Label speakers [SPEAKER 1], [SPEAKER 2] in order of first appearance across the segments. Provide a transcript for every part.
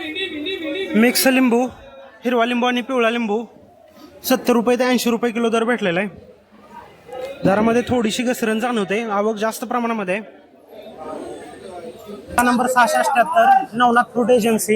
[SPEAKER 1] Mix लिंबू, हिरवा लिंबू आणि पिवळा लिंबू 70 रुपये ते 80 रुपये किलो दर भेटलेला आहे. दरामध्ये थोडीशी घसरण जाणवते, आवक जास्त प्रमाणामध्ये. Number 678 Navnath fruit agency.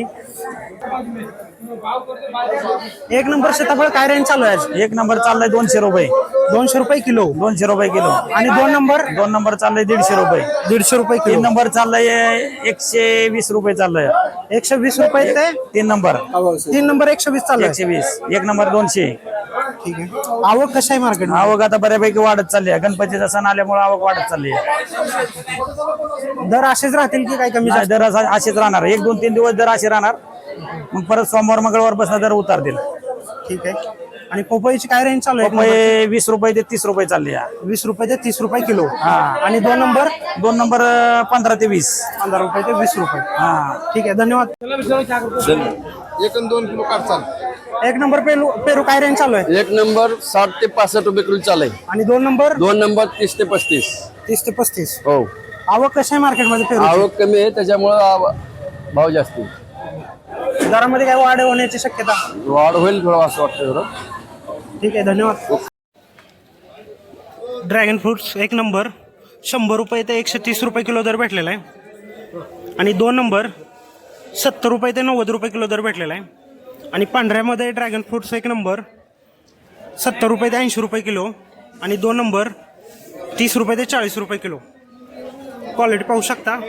[SPEAKER 1] एक नंबर सीताफळ काय रेंज चालू आहे?
[SPEAKER 2] एक नंबर चाललाय 200 रुपये.
[SPEAKER 1] 200 रुपये किलो.
[SPEAKER 2] 200 रुपये किलो.
[SPEAKER 1] आणि दोन नंबर
[SPEAKER 2] चाललाय 150 रुपये.
[SPEAKER 1] 150 रुपये किलो.
[SPEAKER 2] 3 नंबर चाललाय 120 रुपये चाललाय.
[SPEAKER 1] 120 रुपये ते
[SPEAKER 2] 3 नंबर.
[SPEAKER 1] 3 नंबर 120 चाललाय.
[SPEAKER 2] 120. 1 नंबर 200.
[SPEAKER 1] ठीक आहे. आवक कशा आहे मार्केट?
[SPEAKER 2] आवक आता बऱ्यापैकी वाढत चालली आहे. गणपतीचा सण आल्यामुळे आवक वाढत चालली आहे.
[SPEAKER 1] दर असेच राहतील की काय कमी?
[SPEAKER 2] दर असेच राहणार. 1 2 3 दिवस दर असे राहणार. मग परत सोमवार मंगळवार बसला दर उतारतील.
[SPEAKER 1] ठीक आहे. आणि पपईची काय रेंज चालू आहे?
[SPEAKER 2] पपई 20 रुपये ते 30 रुपये चालली आहे.
[SPEAKER 1] 20 रुपये ते 30 रुपये किलो.
[SPEAKER 2] हा.
[SPEAKER 1] आणि 2 नंबर
[SPEAKER 2] 15 ते 20.
[SPEAKER 1] 15 रुपये ते 20 रुपये.
[SPEAKER 2] हा.
[SPEAKER 1] ठीक आहे, धन्यवाद.
[SPEAKER 3] 1 आणि 2 किलो काढचाल.
[SPEAKER 1] 1 नंबर पेरू काय रेंज चालू आहे?
[SPEAKER 3] 1 नंबर 60 ते 65 रुपये किलो चालू आहे.
[SPEAKER 1] आणि 2 नंबर
[SPEAKER 3] 2 नंबर 30 ते 35.
[SPEAKER 1] 30 ते 35.
[SPEAKER 3] हो.
[SPEAKER 1] आवक कशा आहे मार्केटमध्ये पेरू?
[SPEAKER 3] आवक कमी आहे त्याच्यामुळे भाव जास्त आहे.
[SPEAKER 1] दरामध्ये काय वाढ होण्याची शक्यता?
[SPEAKER 3] वाढ होईल थोडं असं वाटतं थोडं.
[SPEAKER 1] ठीक आहे, धन्यवाद. ड्रॅगन फ्रूट्स 1 नंबर 100 रुपये ते 130 रुपये किलो दर भेटलेला आहे. आणि 2 नंबर 70 रुपये ते 90 रुपये किलो दर भेटलेला आहे. आणि पांढऱ्यामध्ये ड्रॅगन फ्रूट्स 1 नंबर 70 रुपये ते 80 रुपये किलो. आणि 2 नंबर 30 रुपये ते 40 रुपये किलो. क्वालिटी पाहू शकता.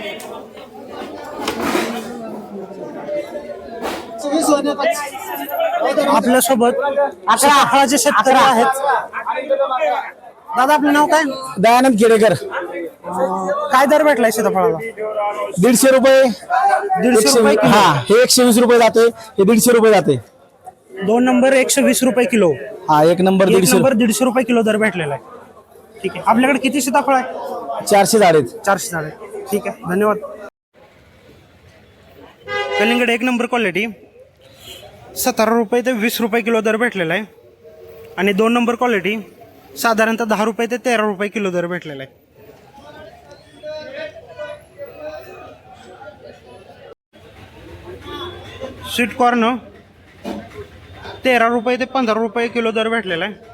[SPEAKER 1] आपल्यासोबत सीताफळाचे शेतकरी आहेत. दादा, आपलं नाव काय?
[SPEAKER 4] दयानंद केडेकर.
[SPEAKER 1] काय दर भेटलाय सीताफळाला?
[SPEAKER 4] 150 रुपये.
[SPEAKER 1] 150 रुपये किलो.
[SPEAKER 4] हा, हे 120 रुपये जाते, हे 150 रुपये जाते.
[SPEAKER 1] 2 नंबर 120 रुपये किलो.
[SPEAKER 4] हा, 1 नंबर
[SPEAKER 1] 150 रुपये किलो दर भेटलेला आहे. ठीक आहे. आपल्याकडे किती सीताफळ आहे?
[SPEAKER 4] 400 झाडे.
[SPEAKER 1] 400 झाडे. ठीक आहे, धन्यवाद. कलिंगड 1 नंबर क्वालिटी 17 रुपये ते 20 रुपये किलो दर भेटलेला आहे. आणि 2 नंबर क्वालिटी साधारणतः 10 रुपये ते 13 रुपये किलो दर भेटलेला आहे. स्वीट कॉर्न 13 रुपये ते 15 रुपये किलो दर भेटलेला आहे.